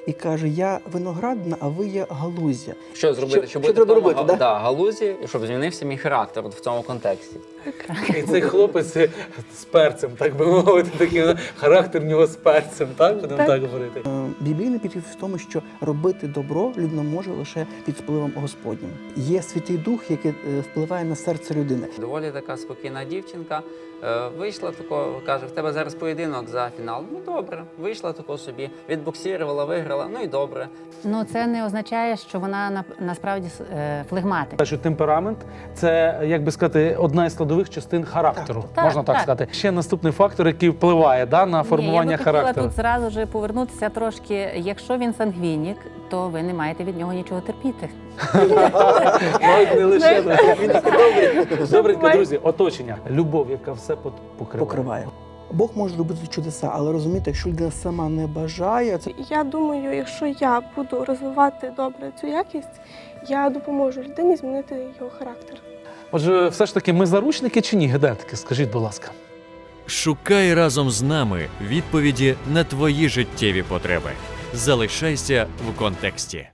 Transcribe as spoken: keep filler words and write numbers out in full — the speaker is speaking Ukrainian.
і каже: я виноградна, а ви є галузя. Що зробити, Що- щоб що бути треба в тому, робити, га- да? да, галузі, і щоб змінився мій характер от в цьому контексті? І цей хлопець з перцем, так би мовити, такий характер в нього з перцем, так? Будемо так, так говорити. Е, Біблійний підхід в тому, що робити добро людина може лише під впливом Господнім. Є Святий Дух, який е, впливає на серце людини. Доволі така спокійна дівчинка. Е, Вийшла тако, каже, в тебе зараз поєдинок за фінал. Ну добре, вийшла тако собі, відбоксірувала, виграла, ну і добре. Ну, це не означає, що вона на- насправді е, флегматик. Що темперамент – це, як би сказати, одна із складових частин характеру, Так, можна так, так. сказати. Ще наступний фактор, який впливає да, на формування Ні, я би характеру. хотіла тут зразу ж повернутися трошки. Якщо він сангвінік, то ви не маєте від нього нічого терпіти. Навіть не лише. Добренько, друзі, оточення. Любов, яка все пот- покриває. Покриває. Бог може робити чудеса, але розумієте, якщо людина сама не бажає, це Я думаю, якщо я буду розвивати добре цю якість, я допоможу людині змінити його характер. Отже, все ж таки, ми заручники чи ні, гедетики? Скажіть, будь ласка. Шукай разом з нами відповіді на твої життєві потреби. Залишайся в контексті.